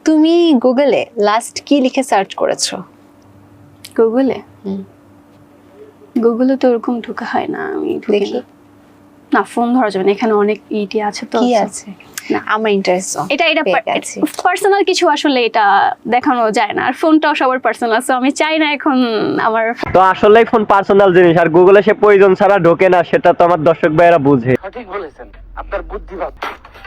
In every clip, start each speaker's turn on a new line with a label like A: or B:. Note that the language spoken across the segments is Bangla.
A: তুমি গুগলে লাস্ট কি লিখে সার্চ করেছো?
B: গুগলে গুগলে তো ওরকম ঢোকা হয় না, আমি
A: দেখি
B: না, ফোন ধরা যাবে না, এখানে অনেক ইটি আছে তো।
A: কি আছে? না আমার ইন্টারেস্ট
B: এটা পার্সোনাল কিছু, আসলে এটা দেখানো যায় না, আর ফোনটাও সবার পার্সোনাল, সো আমি চাই না এখন আমার।
C: তো আসলেই ফোন পার্সোনাল জিনিস, আর গুগলে সে প্রয়োজন ছাড়া ঢোকে না, সেটা তো আমার দর্শক ভাইয়েরা বুঝে।
D: সঠিক বলেছেন, আপনার বুদ্ধি ভালো।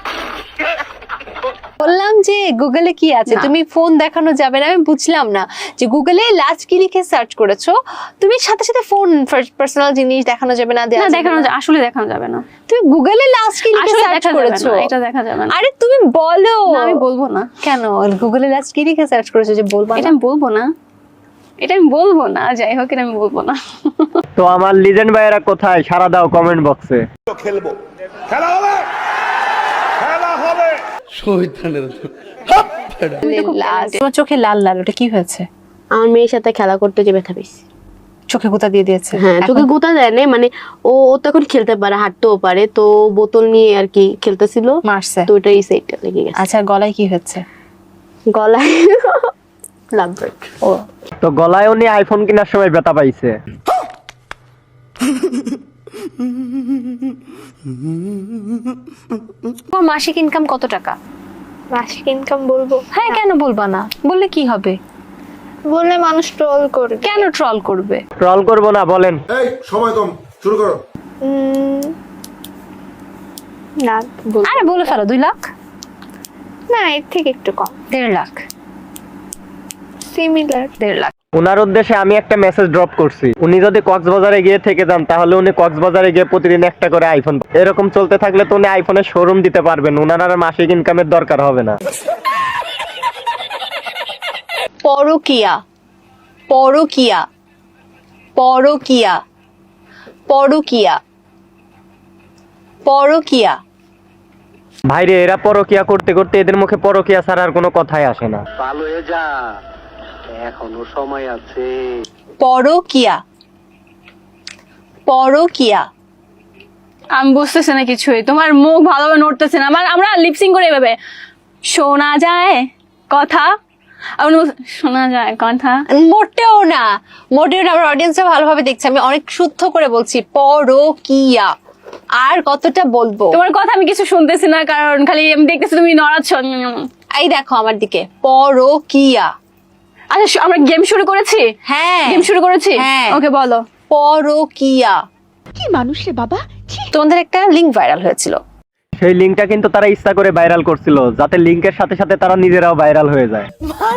A: বললাম যে গুগলে কি আছে, তুমি ফোন দেখানো যাবে না, আমি বুঝলাম না যে গুগলে লাস্ট কি লিখে সার্চ করেছো, তুমি সাথে সাথে ফোন পার্সোনাল জিনিস দেখানো যাবে না,
B: দেখানো আসলে দেখানো যাবে না।
A: তুমি গুগলে লাস্ট কি লিখে সার্চ করেছো?
B: এটা দেখা যাবে না।
A: আরে তুমি বলো।
B: আমি বলবো না।
A: কেন? গুগলে লাস্ট কি লিখে সার্চ করেছো যে বলবো?
B: এটা আমি বলবো না, এটা আমি বলবো না, যাই হোক এটা আমি বলবো না।
C: তো আমার লিজেন্ড ভাইয়েরা কোথায়? সারা দাও কমেন্ট বক্সে।
D: খেলবো, খেলা হবে, খেলা হবে।
A: তোমার চোখে লাল লাল, ওটা কি হয়েছে?
E: আমার মেয়ের সাথে খেলা করতে যে ব্যথা পেয়েছি।
A: চোখে গোতা দিয়ে দিয়েছে?
E: হ্যাঁ, চোখে গোতা দেয় না, মানে ও তো এখন খেলতে পারে, হাঁটতেও পারে, তো বোতল নিয়ে আর কি খেলতেছিল,
A: মারছে
E: তো ওটাই সাইডটা লেগে গেছে।
A: আচ্ছা, গলায় কি হচ্ছে?
E: গলায় লাভবার্ড।
A: ও
C: তো গলায় উনি আইফোন কেনার সময় ব্যথা পাইছে।
A: তোমার মাসিক ইনকাম কত টাকা?
F: মাসিক ইনকাম বলবো?
A: হ্যাঁ, কেন বলবা না? বললে কি হবে?
F: বললে মানুষ ট্রল করবে।
A: কেন ট্রল করবে?
C: ট্রল করবো না, বলেন।
G: এই সময় কম, শুরু করো।
F: না বলবো
A: আরে বলে ফেলো, 2 লাখ?
F: না, এর থেকে একটু কম,
A: 1.5 লাখ?
F: সিমিলার।
A: 1.5 লাখ।
C: ওনার উদ্দেশ্যে আমি একটা মেসেজ ড্রপ করছি, উনি যদি কক্সবাজারে গিয়ে থেকে যান, তাহলে উনি কক্সবাজারে গিয়ে প্রতিদিন একটা করে আইফোন, এরকম চলতে থাকলে তো উনি আইফোনের শোরুম দিতে পারবেন, ওনার আর মাসিক ইনকামের দরকার হবে না।
A: পরকিয়া, পরকিয়া, পরকিয়া, পরকিয়া, পরকিয়া।
C: ভাইরে, এরা পরকিয়া করতে করতে এদের মুখে পরকিয়া ছাড়া আর কোনো কথাই আসে না।
D: ভালো হয়ে যা, এখনো সময় আছে।
A: পরকিয়া, পরকিয়া।
B: আমি বুঝতেছি না কিছুই, তোমার মুখ ভালোভাবে নড়তেছে না। আমরা লিপসিং করে এভাবে শোনা যায় কথা, শোনা যায় কথা।
A: মোটেও না, মোটেও না। আমার অডিয়েন্সরা ভালোভাবে দেখছে, আমি অনেক শুদ্ধ করে বলছি পরকিয়া। আর কতটা বলবো?
B: তোমার কথা আমি কিছু শুনতেছি না, কারণ খালি আমি দেখতেছি তুমি নড়াচ্ছ।
A: এই দেখো আমার দিকে, পরকিয়া।
B: আচ্ছা, আমরা গেম শুরু করেছি?
A: হ্যাঁ,
B: গেম শুরু করেছি।
A: হ্যাঁ।
B: ওকে, বলো।
A: পরকিয়া।
H: কি মানুষ রে বাবা।
A: তোমাদের একটা লিংক ভাইরাল হয়েছিল,
C: সেই লিঙ্কটা কিন্তু তারা ইচ্ছা করে ভাইরাল করছিল, যাতে লিঙ্কের সাথে সাথে তারা নিজেরাও ভাইরাল হয়ে যায়।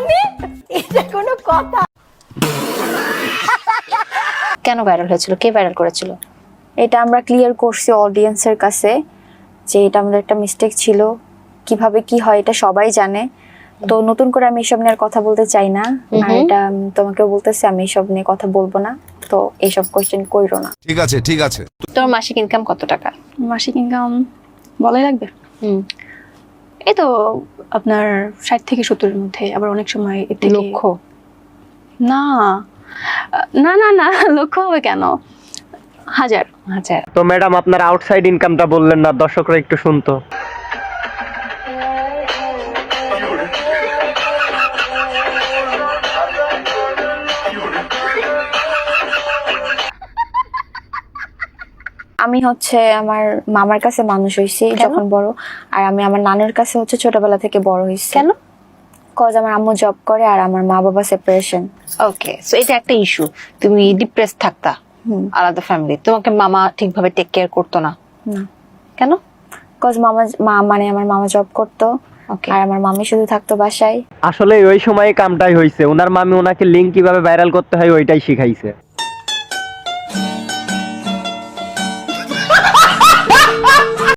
A: কেন ভাইরাল হয়েছিল? কে ভাইরাল করেছিল?
I: এটা আমরা ক্লিয়ার করছি অডিয়েন্সের কাছে যে এটা আমাদের একটা মিস্টেক ছিল, কিভাবে কি হয় এটা সবাই জানে, তো নতুন করে আমি এসব নিয়ে আর কথা বলতে চাই না। আর এটা তোমাকেও বলতেছি, আমি এসব নিয়ে কথা বলবো না, তো এইসব কোশ্চেন কইরো না।
G: ঠিক আছে, ঠিক আছে।
A: তোমার মাসিক ইনকাম কত টাকা?
B: মাসিক ইনকাম বলাই লাগবে?
A: হুম,
B: এই তো আপনার 60 থেকে 70-এর মধ্যে, আবার অনেক সময় এর থেকে।
A: লক্ষ?
B: না না না না, লক্ষ হবে কেন, হাজার।
A: হাজার?
C: তো ম্যাডাম, আপনার আউটসাইড ইনকামটা বললেন না, দর্শকরা একটু শুনতো।
I: আমি হচ্ছে আমার মামার কাছে মানুষ হইছি যখন বড়, আর আমি আমার নানুর কাছে হচ্ছে ছোটবেলা থেকে বড় হইছি।
A: কেন?
I: কজ আমার আম্মু জব করে আর আমার মা বাবা সেপারেশন।
A: ওকে, সো এটা একটা ইস্যু। তুমি ডিপ্রেস থাকতা আলাদা ফ্যামিলি, তোমাকে মামা ঠিকভাবে টেক কেয়ার করতো না?
I: না।
A: কেন?
I: কজ মানে আমার মামা জব করতো, আর আমার মামি শুধু থাকতো বাসায়।
C: আসলে ওই সময় কামটাই হয়েছে, ওনার মামি ওনাকে লিঙ্ক কিভাবে ভাইরাল করতে হয় ওইটাই শিখাইছে।